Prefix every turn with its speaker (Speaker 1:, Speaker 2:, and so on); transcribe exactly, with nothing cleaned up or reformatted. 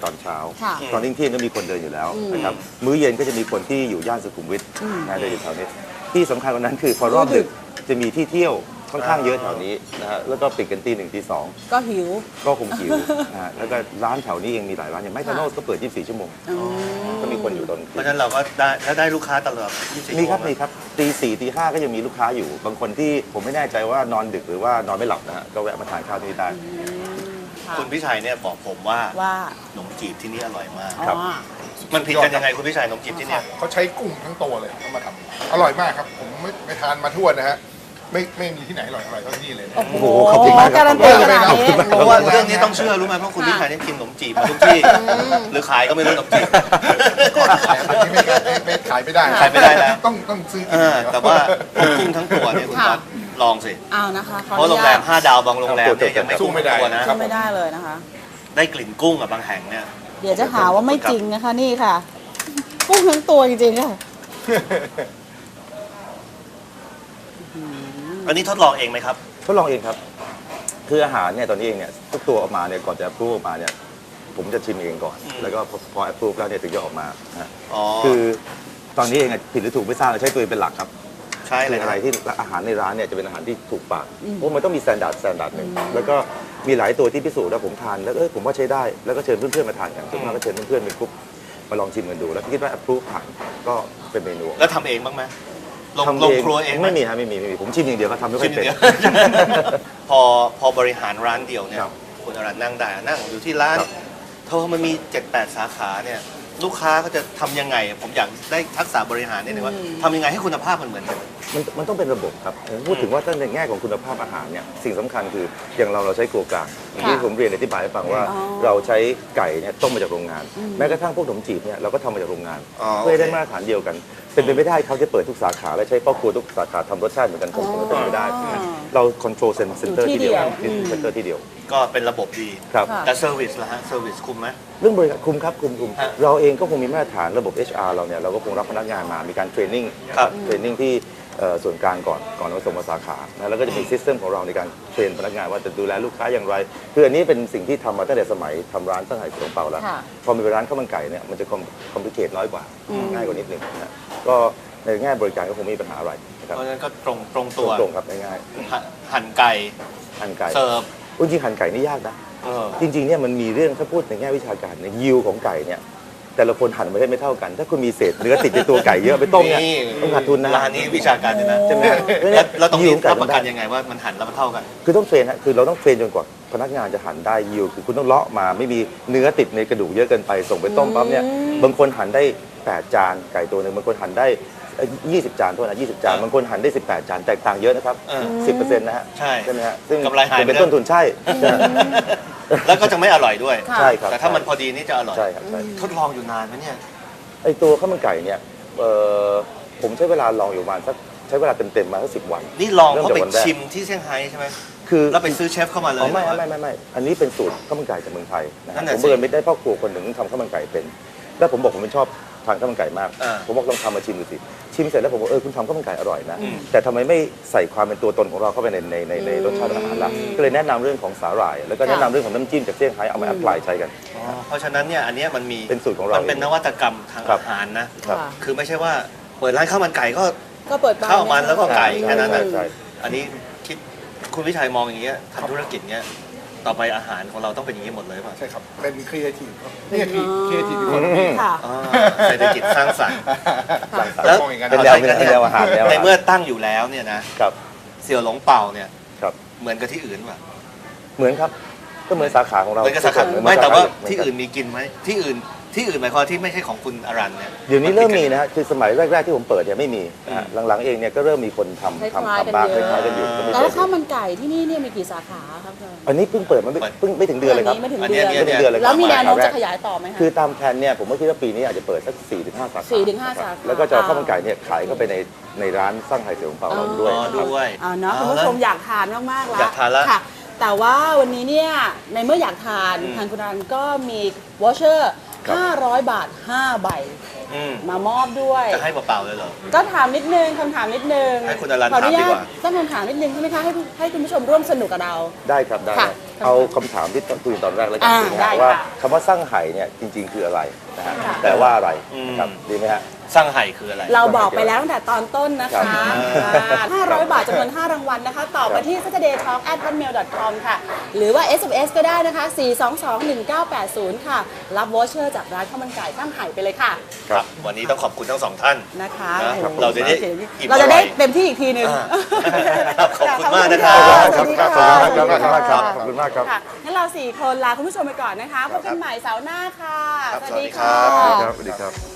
Speaker 1: ตอนเช้า
Speaker 2: ค่ะ
Speaker 1: ตอนเที่ยงก็มีคนเดินอยู่แล้วนะครับมื้อเย็นก็จะมีคนที่อยู่ย่านสุขุมวิทนะเดินอยู่แถวนี้ที่สำคัญกว่านั้นคือพอรอบดึกจะมีที่เที่ยวค่อนข้างเยอะแถวนี้นะฮะแล้วก็ปิดกันตีหนึ่งตีสอง
Speaker 2: ก็หิว
Speaker 1: ก็คงหิวนะฮะแล้วก็ร้านแถวนี้เองมีหลายร้านอย่างไมค์ทาโนสก็เปิดยี่สิบสี่ชั่วโมงก็มีคนอยู่ตอน
Speaker 3: เพราะฉะนั้นเราก็ได้ถ้าได้ลูกค้าตลอดยี่สิบสี่
Speaker 1: มีครับ
Speaker 3: ชั่วโง
Speaker 1: มีครับตีสี่ตีห้าก็ยังมีลูกค้าอยู่บางคนที่ผมไม่แน่ใจว่านอนดึกหรือว่านอนไม่หลับนะฮะก็แวะมาทานข้าวที่นี่ได้
Speaker 3: คุณพิชัยเนี่ยบอกผมว่า
Speaker 2: ว่า
Speaker 3: ขนมจีบที่นี่อร่อยมาก
Speaker 1: ครับ
Speaker 2: อ๋อ
Speaker 3: มันผิดกันยังไงคุณพิชัยขนมจีบที่เนี่ย
Speaker 4: เขาใช้กุ้งทั้งตัวเลยเขามาทำอร่อยมากครับ ผมไม่ไปทานมาทั่วนะฮะไม่ไม่มีที่ไหนอร่อยอร่อยเท่าที่นี่เลยนะ
Speaker 2: โอ้โห
Speaker 1: ขอบคุณมากครับ
Speaker 2: การันตีขนาดนี้
Speaker 3: เพราะว่าเรื่องนี้ต้องเชื่อรู้ไหมเพราะคุณพิชัยเนี่ยกินขนมจีบมาทุกที่หรือขายก็ไม่รู้ขนมจีบ
Speaker 4: อันนี้ไม่ไม่ไม่ขายไม่ได้
Speaker 3: ขายไม่ได้แล้ว
Speaker 4: ต้องต้องซื้อ
Speaker 3: เออแต่ว่ากุ้งทั้งตัวเนี่ยคุณ
Speaker 2: ค่ะ
Speaker 3: วัดลองสิ
Speaker 2: เอานะคะขอ
Speaker 3: เพ
Speaker 2: อ
Speaker 3: ราะ
Speaker 2: นุ
Speaker 3: โรงแร
Speaker 2: ญาต
Speaker 3: มห้าดาวบางโรงแรมเนี่ยยังไม่กุ้งทั้งตัวนะ
Speaker 2: ก็ไม่ได้เลยนะคะ
Speaker 3: ได้กลิ่นกุ้งกับบางแห่งเนี่ย
Speaker 2: เดี๋ยวจะหาว่าไม่จริงนะคะนี่ค่ะ กุ้งทั้งตัวจริงๆค่ะ
Speaker 3: อันนี้ทดลองเองไหมครับ
Speaker 1: ทดลองเองครับคืออาหารเนี่ยตอนนี้เองเนี่ยทุกตัวออกมาเนี่ยก่อนจะพูดออกมาเนี่ยผมจะชิมเองก่อน แล้วก็พอพอแอปพูแล้วเนี่ยถึงจะออกมานะฮะ
Speaker 3: อ๋อ
Speaker 1: คือตอนนี้เองอะผิดหรือถูกไม่ทราบเราใช้ตัวเองเป็นหลักครับ
Speaker 3: ใช่เล
Speaker 1: คื
Speaker 3: ย
Speaker 1: ออะไรที่อาหารในร้านเนี่ยจะเป็นอาหารที่ถูกปากเพราะมันต้องมีสแตนดาร์ดสแตนดาร์ดหนึ่งแล้วก็มีหลายตัวที่พิสูจน์แล้วผมทานแล้วเออผมว่าใช้ได้แล้วก็เชิญเพื่อนๆมาทานกันส่วนมากก็เชิญเพื่อนๆเป็นกรุ๊ปมาลองชิมกันดูแล้วคิดว่าแอปพูผ่านก็เป็นเมนู
Speaker 3: แล้วทำเองบ้างไหมลง
Speaker 1: ทำ
Speaker 3: ลงครัวเองห
Speaker 1: ไม่มีครับไม่มีไม่มีผมชิมอย่างเดียวก็ทำไม่ค่
Speaker 3: ชิ
Speaker 1: อย
Speaker 3: ม
Speaker 1: เป็น
Speaker 3: เดียว พอพอบริหารร้านเดียวเนี่ย
Speaker 1: ครับ
Speaker 3: คุณอรันนั่งได้นั่งอยู่ที่ร้าน
Speaker 1: ครับ
Speaker 3: เท่ามันมีเจ็ดแปดสาขาเนี่ยลูกค้าก็จะทำยังไง ผมอยากได้ทักษะบริหารนิดนึงว่าทำยังไงให้คุณภาพมันเหมือนกัน
Speaker 1: มันมันต้องเป็นระบบครับผมพูดถึงว่าตั้งในแง่ของคุณภาพอาหารเนี่ยสิ่งสำคัญคืออย่างเราเราใช้ครัวกลางอย่างที่ผมเรียนอธิบายให้ฟังว่า
Speaker 2: อ๋อ
Speaker 1: เราใช้ไก่เนี่ยต้มมาจากโรงงาน แม้กระทั่งพวกขนมจีบเนี่ยเราก็ทำมาจากโรงงาน
Speaker 3: อ๋อ
Speaker 1: เพื่อให้ได้
Speaker 3: โอเค
Speaker 1: มาตรฐานเดียวกัน เป็นไปไม่ได้เขาจะเปิดทุกสาขาและใช้พ่อครัวทุกสาขาทำรสชาติเหมือนกันคงคงเป็นไปไม่ได้
Speaker 2: อ๋อ
Speaker 1: เราคอนโทรลเซ็นเตอร์
Speaker 2: อยู่ที่
Speaker 1: ที่เดียว
Speaker 2: เดียว
Speaker 1: เซ็นเตอร์ที่เดียว
Speaker 3: ก็เป็นระบบดี
Speaker 1: ครับ
Speaker 2: ค่ะ
Speaker 3: แต่เซอร์วิสล่ะฮะเซอร์วิสคุ้มไหม
Speaker 1: เรื่องบริการคุมครับคุมคุม
Speaker 3: ฮะ
Speaker 1: เราเองก็คงมีมาตรฐานระบบ เอช อาร์ เราเนี่ยเราก็คงรับพนักงานมามีการเทรนนิ่ง
Speaker 3: ครับ
Speaker 1: เทรนนิ่งที่เอ่อส่วนกลางก่อนก่อนเราส่งมาสาขานะแล้วก็จะมีซิสเต็มของเราในการเทรนพนักงานว่าจะดูแลลูกค้าอย่างไรคืออันนี้เป็นสิ่งที่ทำมาตั้งแต่สมัยทำร้านตั้งแต่สงเปาแล้ว
Speaker 2: ค่ะ
Speaker 1: พอมีร้านข้าวมันไก่เนี่ยมันจะคอมพลิเคทน้อยกว่าง่ายกว่านิดนึงนะก็ในแง่บริการก็คงไม่มีปัญหาอะไรนะครับ
Speaker 3: เพราะฉะนั้นก็ตรงตรงตัว
Speaker 1: ตรงๆครับง่าย
Speaker 3: หั่นหั่นไก่
Speaker 1: ๆหั่นไก่
Speaker 3: เสิร์ฟ
Speaker 1: จริงๆหั่นไก่นี่ยากนะ
Speaker 3: เออ
Speaker 1: จริงๆเนี่ยมันมีเรื่องถ้าพูดในแง่วิชาการเนี่ยยิวของไก่เนี่ยแต่ละคนหั่นไม่ได้ไม่เท่ากัน ถ้าคุณมีเศษเนื้อติดในตัวไก่เยอะไปต้มเนี่ยต้องขาดทุนนะ
Speaker 3: ร้านนี้วิชาการเลยนะ
Speaker 1: ใช่ไหม
Speaker 3: แล้วเราต้อง
Speaker 1: ยิ
Speaker 3: มี
Speaker 1: วไก่
Speaker 3: รับประกัน
Speaker 1: ได้
Speaker 3: ยังไงว่ามันหั่นแล้วมันเท่ากัน
Speaker 1: คือต้องเทรนฮะคือเราต้องเทรนจนกว่าพนักงานจะหั่นได้ยิวคือคุณต้องเลาะมาไม่มีเนื้อติดในกระดูกเยอะเกินไปส่งไปต้มปั๊บเนี่ยบางคนหั่นได้แปดจานไก่ตัวหนึ่งบางคนหั่นได้ยี่สิบจานโทษนะยี่สิบจาน
Speaker 3: เออ
Speaker 1: บางคนหั่นได้สิบแปดจานแตกต่างเยอะนะครับ
Speaker 3: เออ
Speaker 1: สิบเปอร์เซ็นต์นะฮะ
Speaker 3: ใช่
Speaker 1: ใช่ไหมฮะซึ่ง
Speaker 3: กำไรหายไป
Speaker 1: เป็น
Speaker 3: ด้วย
Speaker 1: ต้นทุนใช่ใช่
Speaker 3: แล้วก็จะไม่อร่อยด้วย
Speaker 2: ค่ะ
Speaker 1: ใช่ครับ
Speaker 3: แต่ถ้ามันพอดีนี่จะอร่อย
Speaker 1: ใช่ครับใช่
Speaker 3: ทดลองอยู่นานไหมเนี่ย
Speaker 1: ไอตัวข้าวมันไก่เนี่ยเอ่อผมใช้เวลาลองอยู่ประมาณสักใช้เวลาเต็มๆมาสักสิบวัน
Speaker 3: นี่ลองเขาไป
Speaker 1: เริ่มจากวันแรก
Speaker 3: ชิมที่เซี่ยงไฮ้ใช่ไหม
Speaker 1: คือ
Speaker 3: แล้วไปซื้อเชฟเข้ามาเลย
Speaker 1: อ๋อไม่
Speaker 3: หรือว่า
Speaker 1: ไม่ไม่ไม่อันนี้เป็นสูตรข้าวมันไก่จากเมืองไทยนะ
Speaker 3: นั่
Speaker 1: ฮะ
Speaker 3: นน่ะ
Speaker 1: ผม
Speaker 3: สิ
Speaker 1: เบิร์นไม่ได้พ่อครัวคนหนึ่งที่ทำข้าวมันไก่เป็น แล้วผมบอกผมเป็นชอบทานข้าวมันไก่มาก
Speaker 3: อ่า
Speaker 1: ผมบอกลองทำมาชิมดูสิชิมเสร็จแล้วผมบอกเออคุณทำข้าวมันไก่อร่อยนะ
Speaker 3: อืม
Speaker 1: แต่ทำไมไม่ใส่ความเป็นตัวตนของเราเข้าไปในในในในรสชาติอาหารล่ะก็เลยแนะนำเรื่องของสาหร่าย แล้วก็แนะนำเรื่องของน้ำจิ้มจากเซี่ยงไฮ้เอามาแอพพลายใช้กัน
Speaker 3: อ๋อเพราะฉะนั้นเนี่ยอันเนี้ยมันมี
Speaker 1: เป็นสูตรของเรา
Speaker 3: มันเป็นนวัตกรรมทาง
Speaker 1: ครับ
Speaker 3: อาหารนะ
Speaker 1: ครับ
Speaker 2: ค่ะ
Speaker 3: คือไม่ใช่ว่าเปิดร้านข้าวมันไก่ก็
Speaker 2: ก็เปิดบ้าน
Speaker 3: ข้าวมันแล้วก็ไก่
Speaker 1: ใช่
Speaker 3: แค่นั้นนะ
Speaker 1: ใช่ใช่
Speaker 3: อันนี้คิดคุณวิชัยมองอย่างเงี้ยทำธุรกิจเงี้ยต่อไปอาหารของเราต้องเป็นอย่างนี้หมดเลยป่ะ
Speaker 4: ใช่ครับ เป็นครีเอทีฟครับนี่ครีครีเอทีฟคน
Speaker 2: ค่ะ
Speaker 3: อ่าเศรษฐกิจสร้างสรรค์
Speaker 1: หลังจาก
Speaker 3: แล้ว
Speaker 4: มองอย่างนั้น
Speaker 1: เป็นแนวเป็นแนวอาหารแนวอาหาร
Speaker 3: ในเมื่อตั้งอยู่แล้วเนี่ยนะครับ เสี่ยวหลงเป่าเนี่ย
Speaker 1: ครับ
Speaker 3: เหมือนกับที่อื่นป่ะ
Speaker 1: เหมือนครับก็เหมือนสาขาของเรา
Speaker 3: เหมือนกับสาขา
Speaker 1: เหอน
Speaker 3: ไม่แต่ว่า
Speaker 1: สขเหมื
Speaker 3: ที่
Speaker 1: กั
Speaker 3: อื่นมีกินไหมที่อื่นที่อื่นหมายความที่ไม่ใช่ของคุณอรันเนี่ย
Speaker 1: เดี๋ยวนี้เริ่มมีนะฮะคือสมัยแรกๆที่ผมเปิดเนี่ยไม่มีนะฮะหลังๆเองเนี่ยก็เริ่มมีคนทำ
Speaker 2: คล้ายๆ
Speaker 1: ทำทำบ้าง
Speaker 2: กัน
Speaker 1: ค
Speaker 2: เยอะ
Speaker 1: ล้ายๆกันอยู่ก็ไม่
Speaker 2: แล้ว
Speaker 1: ใช่
Speaker 2: ข้าวมันไก่ที่นี่เนี่ยมีกี่สาขาครับอาจารย์
Speaker 1: อันนี้เพิ่งเปิดมาไม่เพิ่งไม่ถึงเดือนเลยครับ
Speaker 2: ไม่ถึง
Speaker 3: อัน
Speaker 2: เดื
Speaker 3: เนี้
Speaker 2: อย น
Speaker 3: เนี่ย
Speaker 1: ไม่ถึงเดือนเลยครับ
Speaker 2: แล้วมีแนวโน้ม
Speaker 1: สาขาแร
Speaker 2: จะ
Speaker 1: ก
Speaker 2: ขยายต่อไหมคะ
Speaker 1: คือตามแผนเนี่ยผมก็คิดว่าปีนี้อาจจะเปิดสักสี่ถึงห้าสาขา
Speaker 2: สี่ถึงห้าสาขา
Speaker 1: แล้วก็จะเอาข้าวมันไก่เนี่ยขายเข้าไปในในร้านสร้างไห่เสี่ยวของเปาเราด้วย
Speaker 3: อ๋อ
Speaker 1: นะครับ
Speaker 3: ด้วย
Speaker 2: เอาเนาะคุณผู้ชมอยากทานมากๆแล้ว
Speaker 3: อยากทานแล้ว
Speaker 2: ค่ะ แต่ว่าวันนี้เนี่ยในเมื่ออยากทาน
Speaker 3: อืม
Speaker 2: ทางคุณอรันก็มีวอเชอร์
Speaker 1: ครับ
Speaker 2: ห้าร้อยบาทห้าใบ
Speaker 3: อืม
Speaker 2: มามอบด้วย
Speaker 3: จะให้เปล่าๆเลยเหรอ
Speaker 2: ก็ถามนิดนึงคำถามนิดนึง
Speaker 3: ให้คุณอรัน
Speaker 2: ขออนุญา
Speaker 3: ถามดี
Speaker 2: ต
Speaker 3: กว่า
Speaker 2: ตั้งคำถามนิดนึงใช่ไหมคะให้ให้คุณผู้ชมร่วมสนุกกับเรา
Speaker 1: ได้ครับได้
Speaker 2: ค่ะ
Speaker 1: ครับเอาคำถามที่คุยตอนแรกแล้วกัน
Speaker 2: อ่า
Speaker 1: นะ
Speaker 2: ได้
Speaker 1: ฮะ
Speaker 2: ค่ะ
Speaker 1: ว่าคำว่าสร้างไห่เนี่ยจริง ๆ คืออะไรนะฮะแปลว่าอะไรนะครับดีไหมฮะ
Speaker 3: สร้างไห่คืออะไร
Speaker 2: เราบอกไปแล้วตั้งแต่ตอนต้นนะ
Speaker 1: ครั
Speaker 2: คะ
Speaker 1: บ
Speaker 2: ห้าร้อยบาทจำนวนห้ารางวัลนะคะ ตอบมาที่ saturday talk at hotmail dot com ค่ะ หรือว่า เอส เอ็ม เอส ก็ได้นะคะ สี่ สอง สอง หนึ่ง เก้า แปด ศูนย์ ค่ะ รับวอเชอร์จากร้านข้าวมันไก่ข้ามไห่ไปเลยค่ะ
Speaker 3: ครับ วันนี้ต้องขอบคุณทั้งสองท่าน
Speaker 2: นะคะ
Speaker 3: นะ
Speaker 2: โอ้โห
Speaker 3: เราจะได้อิ่ม
Speaker 2: เราจะได้
Speaker 3: อร่อย
Speaker 2: เต็มที่อีกทีนึง
Speaker 3: ครับขอบคุณมากนะครับ
Speaker 2: สวัสดี
Speaker 1: ครั
Speaker 2: ค่ะ
Speaker 1: บขอบคุณมากครับขอบคุณมากครับ
Speaker 2: ค่ะงั้นเราสี่คนลาคุณผู้ชมไปก่อนนะคะ พบกันใหม่เสาร์หน้าค่ะ
Speaker 3: ครับ
Speaker 2: สวัสดี
Speaker 3: สวัสดี
Speaker 2: ค่ะ
Speaker 3: ครับ
Speaker 1: สวัสดีครับ